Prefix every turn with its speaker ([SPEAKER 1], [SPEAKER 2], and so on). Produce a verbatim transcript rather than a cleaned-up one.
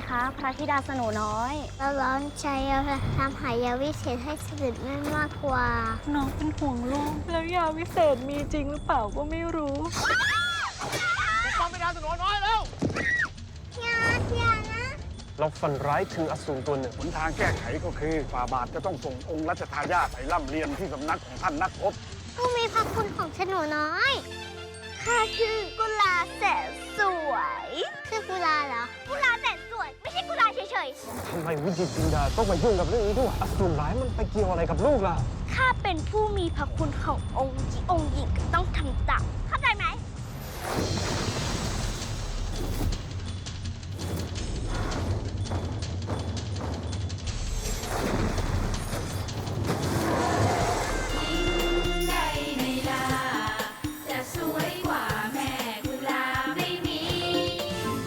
[SPEAKER 1] คะพระธิดาสโนน้อยเราร้อนใจเราทำหายาวิเศษให้เสด็จแม่มากกว่า
[SPEAKER 2] น้องเป็นห่วงลูกแล้วยาวิเศษมีจริงหรือเปล่าก็ไม่รู้
[SPEAKER 3] ฟังไม่ทันสโนน้อยแล้ว
[SPEAKER 1] อย่าอย่านะ
[SPEAKER 3] เราฝันร้ายถึงอสูรตัวหนึ่งหนทางแก้ไขก็คือฝ่าบาทจะต้องส่งองค์รัชทายาทไปร่ำเรียนที่สำนักของท่านนักรบ
[SPEAKER 1] ผู้มีพระคุณของสโนน้อยข้าชื่อกุลาแสนสวยชื่อกุลาเหรอกุลาแสนสวยไม่ใช่กุลาเฉยๆ
[SPEAKER 3] ทำไมวิจิตรจินดาต้องมายุ่งกับเรื่องนี้ด้วยอสูรร้ายมันไปเกี่ยวอะไรกับลูกล่ะ
[SPEAKER 1] ข้าเป็นผู้มีพระคุณขององค์ที่องค์หญิงก็ต้องทำตามเข้าใจไหม